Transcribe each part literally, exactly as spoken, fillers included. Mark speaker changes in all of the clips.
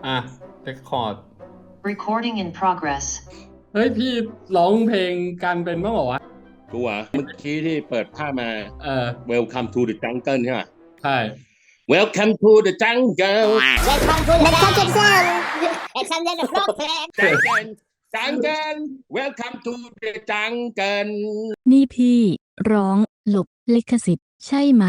Speaker 1: อ่ะเรคคอร์ด
Speaker 2: Recording in progress
Speaker 1: เฮ้ยพี่ร้องเพลงกันเป็นบ้างเหรอวะ
Speaker 3: กูเหรอเมื่อกี้ที่เปิดภาพมา
Speaker 1: เออ
Speaker 3: Welcome to the Jungle ใช่ไหม
Speaker 1: ใช่
Speaker 3: Welcome to the Jungle
Speaker 4: Welcome to the jungle. Examine the problem.
Speaker 3: Jungle Jungle Welcome to the Jungle
Speaker 5: นี่พี่ร้องหลบลิขสิทธิ์ใช่ไหม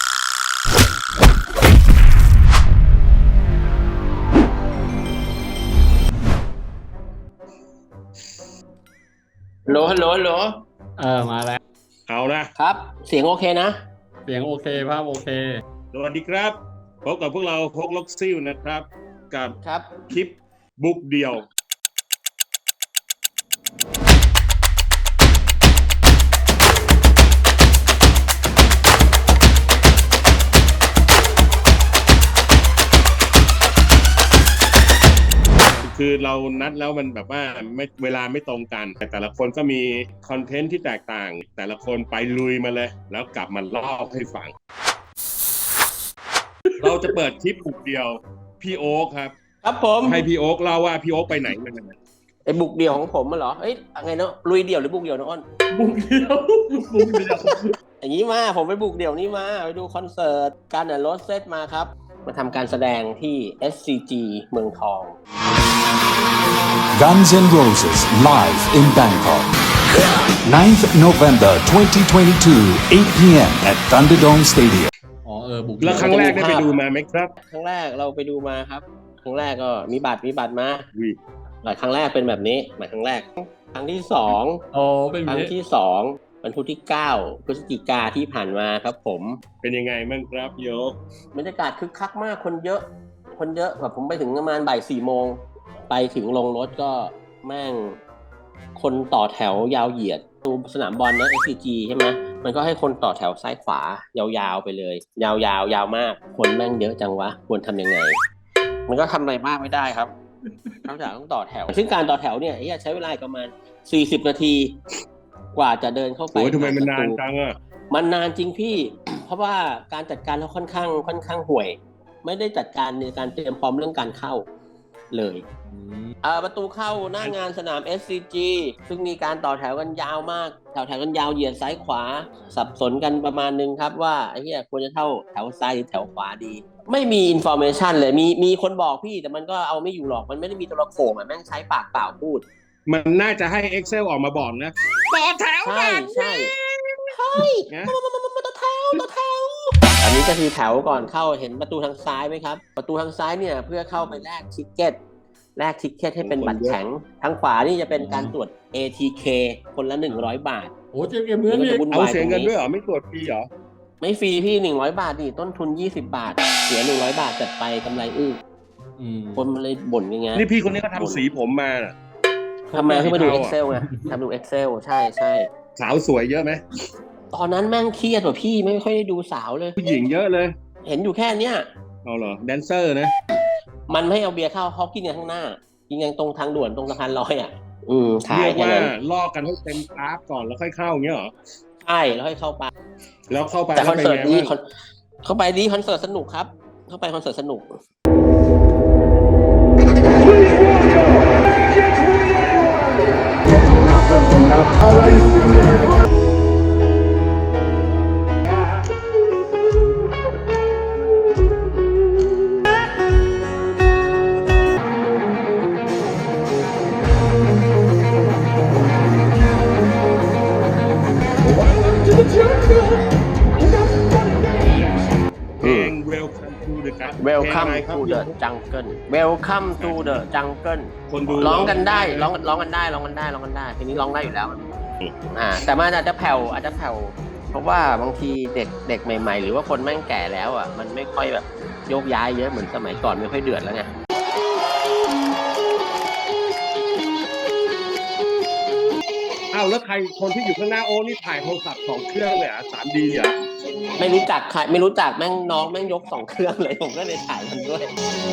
Speaker 6: ฮัลโหลฮัลโหลฮัลโหล
Speaker 1: เออมาแล้ว
Speaker 3: เอานะครับ
Speaker 6: เสียงโอเคนะ
Speaker 1: เสียงโอเคภาพโอเค
Speaker 3: สวัสดีครับพบกับพวกเราพกล็อกซิลนะครับ กับ
Speaker 6: ครับ
Speaker 3: คลิปบุกเดี่ยวคือเรานัดแล้วมันแบบว่าไม่เวลาไม่ตรงกันแต่แต่ละคนก็มีคอนเทนต์ที่แตกต่างแต่ละคนไปลุยมาเลยแล้วกลับมาเล่าให้ฟัง เราจะเปิดคลิปบุกเดียวพี่โอ๊คครับ
Speaker 6: ครับผม
Speaker 3: ให้พี่โอ๊คเล่าว่าพี่โอ๊คไปไหนมา
Speaker 6: ไอ้บุกเดี่ยวของผมมันเหรอเอ้ยไงเนาะลุยเดี่ยวหรือบุกเดี่ยวนะอ้น
Speaker 1: บุกเดียวบุกเดียว
Speaker 6: อย่างนี้มาผมไปบุกเดี่ยวนี้มาไปดูคอนเสิร์ตการเดินรถเซตมาครับมาทำการแสดงที่ เอส ซี จี เมืองทอง
Speaker 7: Guns N' Roses live in Bangkok. ninth November twenty twenty-two, eight p.m. at Thunderdome Stadium.
Speaker 1: อ๋อเออบุก
Speaker 3: แล้วครั้งแรกได้ไปดูมาไหมครับ
Speaker 6: ครั้งแรกเราไปดูมาครับครั้งแรกก็มีบัตรมีบัตรมา
Speaker 3: วิ
Speaker 6: หลายครั้งแรกเป็นแบบนี้หมายครั้งแรกครั้งที่สอง
Speaker 1: โอ้เป็น
Speaker 6: ครั้ง
Speaker 1: นี้
Speaker 6: ที่สองวันพุธที่เก้าพฤศจิกาที่ผ่านมาครับผม
Speaker 3: เป็นยังไงบ้างครับโยก
Speaker 6: บรรยากาศคึกคักมากคนเยอะ คนเยอะแบบผมไปถึงประมาณบ่ายสี่โมงไปถึงลงรถก็แม่งคนต่อแถวยาวเหยียดดูสนามบอลนะ เอส ซี จี ใช่ไหมมันก็ให้คนต่อแถวซ้ายขวายาวๆไปเลย ยาวๆยาวมากคนแม่งเยอะจังวะควรทำยังไง มันก็ทำอะไรมากไม่ได้ครับนอกจากต้องต่อแถวซึ่งการต่อแถวเนี่ยใช้เวลาประมาณสี่สิบนาทีกว่าจะเดินเข้าไป
Speaker 3: โอ้ยทำไมมันนานจังอ่ะ
Speaker 6: มันนานจริงพี่ เพราะว่าการจัดการเขาค่อนข้างค่อนข้างห่วย ไม่ได้จัดการในการเตรียมพร้อมเรื่องการเข้าเลยอ่าประตูเข้าหน้างานสนาม เอส ซี จี ซึ่งมีการต่อแถวกันยาวมากแถวแถวกันยาวเหยียดซ้ายขวาสับสนกันประมาณนึงครับว่าไอ้เหี้ยควรจะเท่าแถวซ้ายหรือแถวขวาดี ไม่มีอินโฟเมชันเลยมีมีคนบอกพี่แต่มันก็เอาไม่อยู่หรอกมันไม่ได้มีตัวโขงอ่ะแม่งใช้ปากเปล่าพูด
Speaker 3: มันน่าจะให้ Excel ออกมาบอกนะต่อแถว
Speaker 6: ใช่ใช่ใช่มามามามามาต่อแถวต่อแถวอันนี้ก็คือแถวก่อนเข้าเห็นประตูทางซ้ายไหมครับประตูทางซ้ายเนี่ยเพื่อเข้าไปแลกทิกเก็ตแลกทิกเก็ตให้เป็นบัตรแข็งทางขวานี่จะเป็นการตรวจ เอ ที เค คนละหนึ่งร้อยบาท
Speaker 1: โอ้เจ๊เกมเนื้อนี่
Speaker 3: เอาเสียเงินด้วยเหรอไม่ตรวจฟรีเหรอ
Speaker 6: ไม่ฟรีพี่หนึ่งร้อยบาทนี่ต้นทุนยี่สิบบาทเสียหนึ่งร้อยบาทจัดไปกำไรอื้อ
Speaker 1: อืม
Speaker 6: คนมันเลยบ่นยังไง
Speaker 3: นี่พี่คนนี้ก็ทำสีผมมาน่ะ
Speaker 6: ทำไมเพิ่งมาดู Excel ไงทำดู Excel ใช่ใช่
Speaker 3: สาวสวยเยอะไหม
Speaker 6: ตอนนั้นแม่งเครียดกว่าพี่ไม่ค่อยได้ดูสาวเลย
Speaker 3: ผู้หญิงเยอะเลย
Speaker 6: เห็นอยู่แค่เนี้ย
Speaker 3: เอาเหรอแดนเซอร์นะ
Speaker 6: มันไม่ให้เอาเบียร์เข้าเขากินกันข้างหน้ากินกันตรงทางด่วนตรงสะพานลอยอ่ะ อืมขาย
Speaker 3: เรียก
Speaker 6: แค่
Speaker 3: ว่า
Speaker 6: นั้น
Speaker 3: ล่อกันให้เต็มกราฟก่อนแล้วค่อยเข้าอย่างเงี้ยเหรอ
Speaker 6: ใช่แล้วให้เข้าไป
Speaker 3: แล้วเข้าไป
Speaker 6: แต่คอนเสิร์ต
Speaker 3: แล้ว
Speaker 6: ดี
Speaker 3: ป็นไง
Speaker 6: คอนเข้าไปดีคอนเสิร์ตสนุกครับ เข้าไปคอนเสิร์ตสนุก
Speaker 3: เพลง Welcome to the Jungle
Speaker 6: Welcome
Speaker 3: เพลงอะไรครับ
Speaker 6: to the jungle Welcome to the jungle
Speaker 3: คนดู
Speaker 6: ร้องกันได้ร้องร้องกันได้ร้องกันได้ร้องกันได้เพลงนี้ร้องได้อยู่แล้วอ่าแต่มันอาจจะแผ่วอาจจะแผ่วเพราะว่าบางทีเด็กเด็กใหม่ๆ หรือว่าคนแม่งแก่แล้วอ่ะมันไม่ค่อยแบบโยกย้ายเยอะเหมือนสมัยก่อนไม่ค่อยเดือดแล้วไง
Speaker 3: อ้าวแล้วใครคนที่อยู่ข้างหน้าโอ้นี่ถ่ายโทรศัพท์สองเครื่องเลยอ่ะ สามดี อ่ะ
Speaker 6: ไม่รู้จักใครไม่รู้จักแม่งน้องแม่งยกสองเครื่องเลยผมก็เลยถ่ายมันด้วย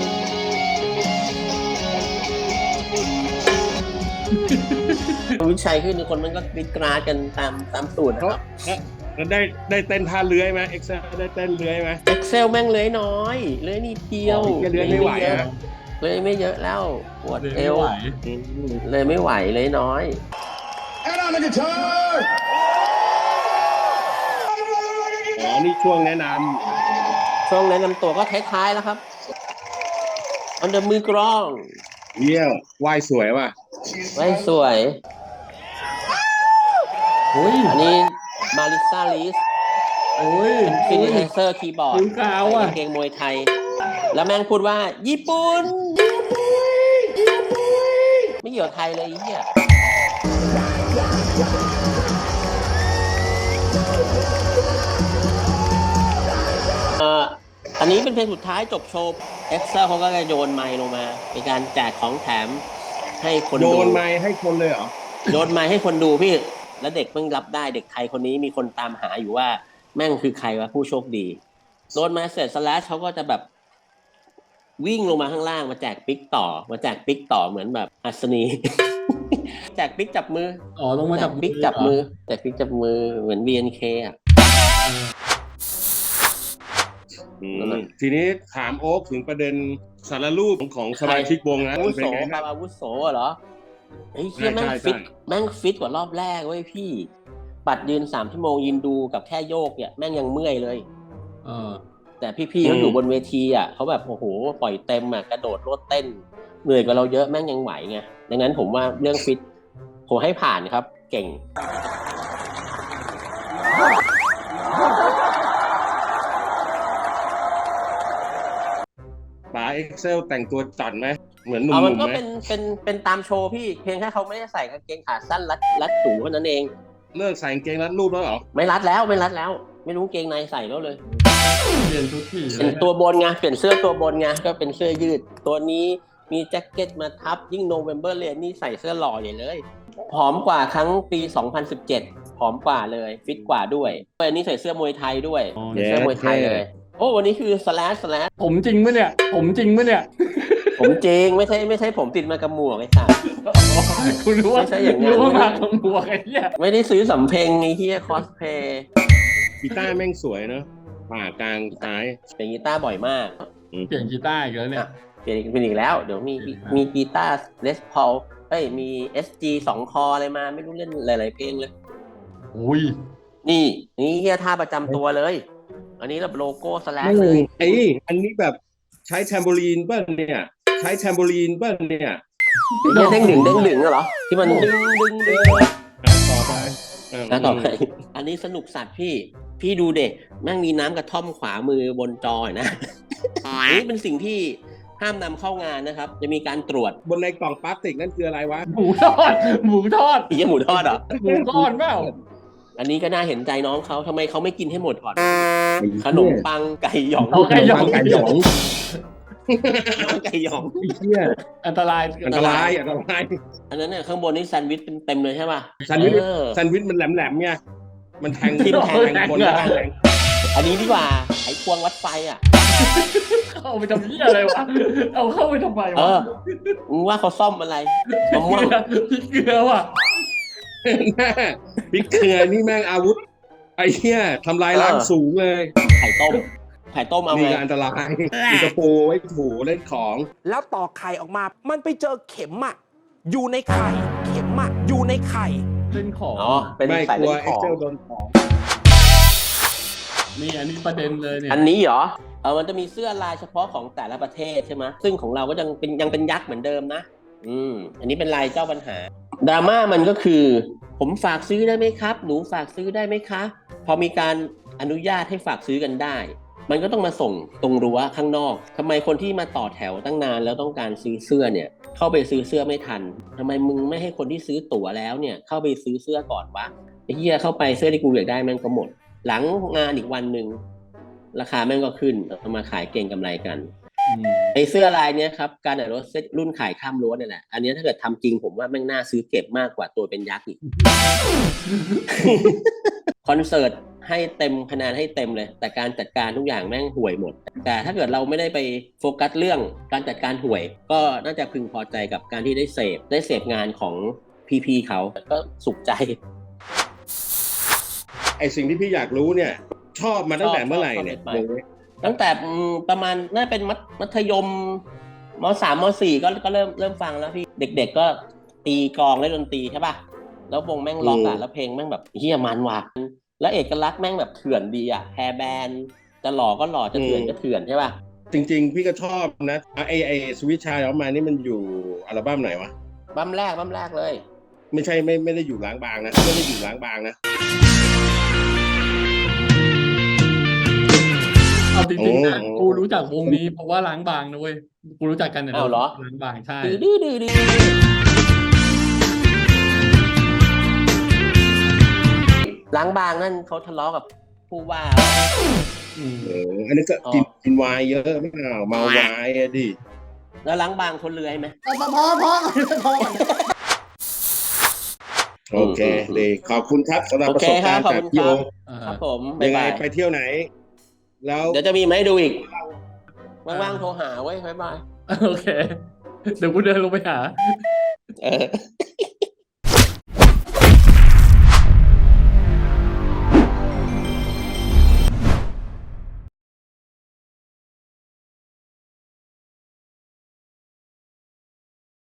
Speaker 6: วิชัยขึ้นทุกคนมันก็วิกราดกันตามตามสูตรนะครับ
Speaker 3: แล้วได้ได้เต้นท่าเลื้อยไหม Excel ได้เต้นเลื้อยไหม
Speaker 6: Excel แม่งเลื้อยน้อยเลื้อยนิดเดียว
Speaker 3: อ๋อเลื้อยไม่ไหวอะ
Speaker 6: เลยไม่เยอะแล้วปวด
Speaker 1: เลย
Speaker 6: เอ
Speaker 1: ไม่
Speaker 6: ว
Speaker 1: ไหว
Speaker 6: เลยไม่ไหวเลยน้อย
Speaker 3: อ๋อนี่ช่วงแนะน
Speaker 6: ช่วงแนะนำตัวก็ท้ายๆแล้วครับอันเดอร์มือกรอง
Speaker 3: ำเยี่ยมว่ายสวยว่ะ
Speaker 6: ไว้สวย
Speaker 1: โอ้ย
Speaker 6: อันนี้มาริซาลิส
Speaker 1: โอ้ย
Speaker 6: ฟินิเซอร์คีย์บอร์ด
Speaker 1: ผิวขาวอ่ะ
Speaker 6: ใส่กางเกงมวยไทย แล้วแม่งพูดว่า ญี่ปุ่นไม่เกี่ยวไทยเลยไอ้เหี้ยเอ่ออันนี้เป็นเพลงสุดท้ายจบโชว์เอ็กเซอร์เขาก็จะโยนไมค์ลงมาเป็นการแจกของแถมให้คน
Speaker 3: โย
Speaker 6: ดู
Speaker 3: นไม้ให้คนเลยเหรอ
Speaker 6: โยนไมค์ให้คนดูพี่ แล้วเด็กแม่งรับได้เด็กไทยคนนี้มีคนตามหาอยู่ว่าแม่งคือใครวะผู้โชคดีโดนมาเสร็จสแลชเขาก็จะแบบวิ่งลงมาข้างล่างมาแจกปิ๊กต่อมาแจกปิ๊กต่อเหมือนแบบอัศนี แจกปิ๊กจับมือ
Speaker 1: อ๋อลงมา
Speaker 6: แจ
Speaker 1: จาก
Speaker 6: กปิ๊กจับมือแจกปิ๊กจับมือเหมือน บี เอ็น เค อ่ะ
Speaker 3: อืมทีนี้ถามโอ๊คถึงประเด็นสารรูปของสมาชิกวงนะ
Speaker 6: อาวุโส
Speaker 3: เป็นไง
Speaker 6: ปา
Speaker 3: บ้าง
Speaker 6: อาวุโสเหรอไอ้ยเชี่ยแม่ง
Speaker 3: ใช่ใช่
Speaker 6: ฟิตแม่งฟิตกว่ารอบแรกเว้ยพี่บัตรยืนสามชั่วโมงยืนดูกับแค่โยกเนี่ยแม่งยังเมื่อยเลย
Speaker 1: เออ
Speaker 6: แต่พี่ๆเขาอยู่บนเวทีอ่ะเขาแบบโอ้โหปล่อยเต็มอ่ะกระโดดโลดเต้นเหนื่อยกว่าเราเยอะแม่งยังไหวไงดังนั้นผมว่าเรื่องฟิตผมให้ผ่านครับเก่ง
Speaker 3: ป๋าเอ็กเซลแต่งตัวจัดไหมเหมือนหนุ่
Speaker 6: เอามัน
Speaker 3: ม
Speaker 6: ก็
Speaker 3: ๆไหม
Speaker 6: เป็นเป็นเป็นตามโชว์พี่เพียงแค่เขาไม่ได้ใส่กางเกงขาสั้นรัดรัดสูงเท่านั้นเอง
Speaker 3: เลิกใส่กางเกงรัดรูปแล้วเหรอ
Speaker 6: ไม่รัดแล้วไม่รัดแล้ว ไม่รู้กางเกงในใส่แล้วเลย
Speaker 1: เปลี่ยนทุกที
Speaker 6: เป็นตัวบนไงเปลี่ยนเสื้อตัวบนไงก็เป็นเสื้อยืด ตัวนี้มีแจ็คเก็ตมาทับยิ่งโนเวมเบอร์เลนนี่ใส่เสื้อหล่อใหญ่เลยผอมกว่าครั้งปีสองพันสิบเจ็ดผอมกว่าเลยฟิตกว่าด้วยอันนี้ใส่เสื้อมวยไทยด้วยใส่เสื้อมวยไทยเลยโอ้วันนี้คือสแลชสแลช
Speaker 1: ผมจริงมั้ยเนี่ย ผมจริงมั้ยเนี่ย
Speaker 6: ผมจริงไม่ใช่ไม่ใช่ผมติดมากับหมวกไอ้สัส
Speaker 1: คุณรู้ว่า
Speaker 6: ไม่ใช่อย่างนั้น
Speaker 1: รู้ว่ามาขโมยไอ้เหี้ย
Speaker 6: ไม่ได้ซื้อสำเพ็งไอ้เฮียคอสเพย์
Speaker 3: กีตาร์แม่งสวยเนอะป่ากลางซ้าย
Speaker 6: เป็นกีตาร์บ่อยมาก
Speaker 1: เปลี่ยนกีตาร์อีกแล้วเนี่ย
Speaker 6: เปลี่ยนอีกเป็นอีกแล้ว เดี๋ยวมีมีกีตาร์เลสพอลเอ้ยมี เอส จี สองคออะไรมาไม่รู้เล่นหลายๆเพลงเลย
Speaker 1: อุ้ย
Speaker 6: นี่นี่เฮียท่าประจำตัวเลย อันนี้แบบโลโก้สแลช
Speaker 3: ไม่
Speaker 6: เลย
Speaker 3: ไอ้อันนี้แบบใช้แทมโบลีนเปิ้ลเนี่ย ใช้แทมโบลีนเปิ้ลเนี่ย
Speaker 6: เฮียเด้งดึงเด้งดึงเหรอที่มันดึงดึงดึง
Speaker 3: อ่ะต่อไปเ
Speaker 6: แล้วต่อไปอันนี้สนุกสัตว์พี่ พี่ดูเด็กแม่งมีน้ำกระท่อมขวามือบนจอนะ อันนี้เป็นสิ่งที่ห้ามนำเข้างานนะครับ จะมีการตรวจ
Speaker 3: บนในกล่องพลาสติกนั่นคืออะไรวะ
Speaker 1: หมูทอด หมูทอด
Speaker 6: อีกหมูทอดเหรอ
Speaker 1: หมูทอดเปล่า
Speaker 6: อันนี้ก็น่าเห็นใจน้องเขาทำไมเขาไม่กินให้หมดก่อน ขนมปังไก่หยอง
Speaker 1: เอาไก่หยอง
Speaker 3: ไก่หยอง
Speaker 6: ไก่หยอง
Speaker 3: ไอ้เหี้ย
Speaker 1: อันตราย
Speaker 3: อันตรายอันตราย
Speaker 6: อันนั้นเนี่ยข้างบนนี่แซนด์วิชเต็มๆเลยใช่ป่ะ
Speaker 3: แซนด์วิช
Speaker 6: เออ
Speaker 3: แซนด์วิชมันแหลมๆไงมันแทง
Speaker 6: ทิ่มแทง
Speaker 3: แทงคนได้แทง
Speaker 6: อันนี้ดีกว่าไขควงวัดไฟอ่ะ
Speaker 1: เข้าไปทำเหี้ยอะไรวะ เอาเข้าไปทำไม
Speaker 6: เอ
Speaker 1: วะ
Speaker 6: อมึงว่าเขาซ่อมอะไรมะม่วง
Speaker 1: พริกเกลือว่ะ
Speaker 3: พริกเกลือนี่แม่งอาวุธไอ้เหี้ยทำลายล้างสูงเลย
Speaker 6: ไข่ต้ม ไข่ต้มเอา
Speaker 3: นี่
Speaker 6: ไง
Speaker 3: ก็อันตรายมีกระโปรงไว้ถูเล่นของ
Speaker 8: แล้วต่อไข่ออกมา มันไปเจอเข็มอะอยู่ในไข่ เข็มอะอยู่ในไข่
Speaker 1: เล่นของ
Speaker 6: อ๋อ เป็น
Speaker 3: ไม่
Speaker 6: สาย
Speaker 3: กลั
Speaker 6: เล่
Speaker 3: วน
Speaker 6: ข
Speaker 3: เอ็ก
Speaker 6: อง
Speaker 3: เซลโดนของ
Speaker 1: นี่อันนี้ประเด็นเลยเนี่ย
Speaker 6: อันนี้เหรอ เออมันจะมีเสื้อลายเฉพาะของแต่ละประเทศใช่ไหมซึ่งของเราก็ยังเป็นยังเป็นยักษ์เหมือนเดิมนะ อืม อันนี้เป็นลายเจ้าปัญหา ดราม่ามันก็คือ ผมฝากซื้อได้ไหมครับ หนูฝากซื้อได้ไหมคะ พอมีการอนุญาตให้ฝากซื้อกันได้ มันก็ต้องมาส่งตรงรั้วข้างนอกทำไมคนที่มาต่อแถวตั้งนานแล้วต้องการซื้อเสื้อเนี่ย เข้าไปซื้อเสื้อไม่ทันทำไมมึงไม่ให้คนที่ซื้อตั๋วแล้วเนี่ย เข้าไปซื้อเสื้อก่อนวะไอ้เหี้ยเข้าไปเสื้อที่กูอยากได้แม่งก็หมด หลังงานอีกวันหนึ่งราคาแม่งก็ขึ้นเอามาขายเก่งกำไรกันไอ้เสื้อลายเนี้ยครับการอ่านรถเซ็ตรุ่นขายข้ามรั้วเนี่ยแหละอันนี้ถ้าเกิดทำจริงผมว่าแม่งน่าซื้อเก็บมากกว่าตัวเป็นยักษ์อีก คอนเสิร์ตให้เต็มคะแนนให้เต็มเลย แต่การจัดการทุกอย่างแม่งห่วยหมด แต่ถ้าเกิดเราไม่ได้ไปโฟกัสเรื่องการจัดการห่วย ก็น่าจะพึงพอใจกับการที่ได้เสพได้เสพงานของพีๆเขาก็สุขใจ
Speaker 3: ไอสิ่งที่พี่อยากรู้เนี่ย ชอบมาตั้งแต่เมื่อไหร่เนี่ย
Speaker 6: ชอบชอบ ตั้งแต่อืมประมาณน่าเป็นมัธมัธยมมสามมสี่ก็ก็เริ่มเริ่มฟังแล้วพี่เด็กๆก็ตีกลองเล่นดนตรีใช่ป่ะแล้ววงแม่งล็อกอ่ะแล้วเพลงแม่งแบบเฮียมันว่ะแล้วเอกลักษณ์แม่งแบบเถื่อนดีอ่ะแฮร์แบนด์จะหล่อก็หล่อจะเถื่อนก็เถื่อนใช่ป่ะ
Speaker 3: จริงๆ พี่ก็ชอบนะไอไอสวิตชายออกมานี่มันอยู่อัลบั้มไหนวะ
Speaker 6: บั้มแรกบั้มแรกเลย
Speaker 3: ไม่ใช่ไม่ไม่ได้อยู่ล้างบางนะไม่ได้อยู่ล้างบางนะ
Speaker 1: เอาจริงๆนะ
Speaker 3: โอ้
Speaker 1: กูรู้จักวงนี้เพราะว่าล้างบางนะเว้ยกูรู้จักกันเนี่ย
Speaker 6: อ้าวเหรอ
Speaker 1: ล้างบางใช่
Speaker 6: ดื้อดื้อดื้อดื้อล้างบางนั่นเขาทะเลาะกับผู้ว่า
Speaker 1: อืม
Speaker 3: เอออันนี้ก็
Speaker 6: อ๋อ
Speaker 3: กินกินไวน์เยอะไม่เอาเมาไวน์อะดิ
Speaker 6: แล้วล้างบางคนเลื้อยไหม
Speaker 4: พอพอพอพอพอ
Speaker 3: โอเคดีขอบคุณครับสำหรับ
Speaker 6: โอ
Speaker 3: ประ
Speaker 6: เค
Speaker 3: สบ
Speaker 6: ครั
Speaker 3: กา
Speaker 6: บ
Speaker 3: รณ์
Speaker 6: ขอบ
Speaker 3: จาก
Speaker 6: คุณ
Speaker 3: พี่
Speaker 6: ค
Speaker 3: โอ
Speaker 6: รับ
Speaker 1: อ่า
Speaker 6: ครับผม
Speaker 3: ยั
Speaker 6: บ๊าง ย
Speaker 3: ไง
Speaker 6: บาย
Speaker 3: ไปเที่ยวไหน แล้ว
Speaker 6: เดี๋ยวจะมีมาให้ดูอีกว่างๆโทรหาไว้ยบ๊ายบาย
Speaker 1: โอเค เดี๋ยวกูเดินลงไปหา
Speaker 6: เออ